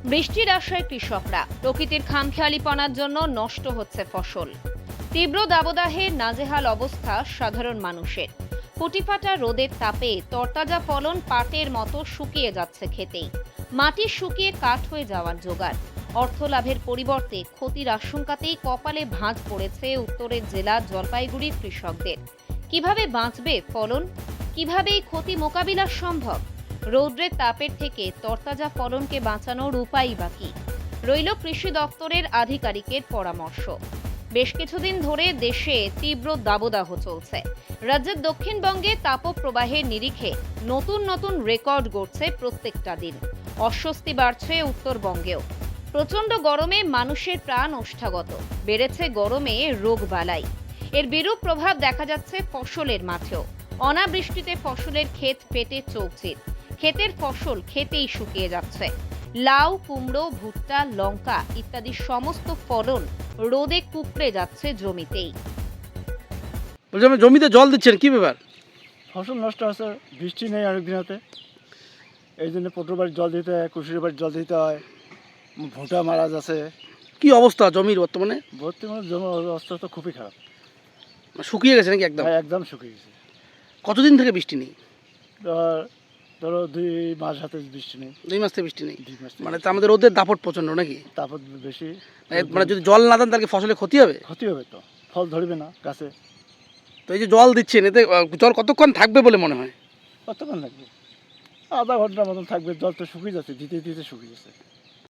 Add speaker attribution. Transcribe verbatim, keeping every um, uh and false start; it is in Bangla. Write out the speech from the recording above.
Speaker 1: বৃষ্টির আশায় কৃষকরা, প্রকৃতির খামখেয়ালিপনার জন্য নষ্ট হচ্ছে ফসল। তীব্র দাবদাহে নাজেহাল অবস্থা সাধারণ মানুষের। ফুটিফাটা রোদের তাপে তরতাজা ফলন পাটের মতো শুকিয়ে যাচ্ছে খেতেই। মাটি শুকিয়ে কাঠ হয়ে যাওয়ার জোগাড়। অর্থ লাভের পরিবর্তে ক্ষতির আশঙ্কাতেই কপালে ভাঁজ পড়েছে উত্তরের জেলা জলপাইগুড়ির কৃষকদের। কিভাবে বাঁচবে ফলন? কিভাবে এই ক্ষতি মোকাবিলা সম্ভব? রৌদ্রের তাপের থেকে তরতাজা ফলনকে বাঁচানোর উপায়ই বাকি। রইল কৃষি দপ্তরের আধিকারিকের পরামর্শ। বেশ কিছুদিন ধরে দেশে তীব্র দাবদাহ চলছে। রাজ্যের দক্ষিণবঙ্গে তাপপ্রবাহের নিরিখে নতুন নতুন রেকর্ড গড়ছে প্রত্যেকটা দিন। অস্বস্তি বাড়ছে উত্তরবঙ্গেও। প্রচণ্ড গরমে মানুষের প্রাণ ওষ্ঠাগত। বেড়েছে গরমে রোগবালাই। এর বিরূপ প্রভাব দেখা যাচ্ছে ফসলের মাঠেও। অনাবৃষ্টিতে ফসলের ক্ষেত পেটে চৌচির। ক্ষেতের ফসল খেতেই শুকিয়ে যাচ্ছে। লাউ, কুমড়ো, ভুট্টা, লঙ্কা ইত্যাদি সমস্ত ফলন রোদে কুঁকড়ে যাচ্ছে জমিতেই।
Speaker 2: বলছি, জমিতে জল দিচ্ছেন কি ব্যাপার?
Speaker 3: ফসল নষ্ট হচ্ছে, বৃষ্টি নেই অনেক দিনতে, এই জন্য পটল বাড়ির জল দিতে হয়, কুশির বাড়ির জল দিতে হয়, ভুঁটা মারা যাচ্ছে।
Speaker 2: কি অবস্থা জমির বর্তমানে?
Speaker 3: বর্তমানে জমি অবস্থা তো খুবই খারাপ,
Speaker 2: শুকিয়ে গেছে নাকি একদম?
Speaker 3: হ্যাঁ, একদম শুকিয়ে গেছে।
Speaker 2: কতদিন থেকে বৃষ্টি নেই?
Speaker 3: ধর- ধরো দুই মাস হাতে বৃষ্টি নেই।
Speaker 2: দুই মাস থেকে বৃষ্টি নেই,
Speaker 3: দুই মাস থেকে
Speaker 2: মানে তো আমাদের রোদের দাপট প্রচন্ড নাকি?
Speaker 3: তাপত বেশি,
Speaker 2: মানে যদি জল না দেন তাহলে কি ফসলে ক্ষতি হবে?
Speaker 3: ক্ষতি হবে, তো ফল ধরবে না গাছে।
Speaker 2: তো এই যে জল দিচ্ছেন, এতে আহ, জল কতক্ষণ থাকবে বলে মনে হয়?
Speaker 3: কতক্ষণ লাগবে? আধা ঘন্টার মতন থাকবে। জল তো শুকিয়ে যাচ্ছে, দিতে দিতে শুকিয়ে যাচ্ছে।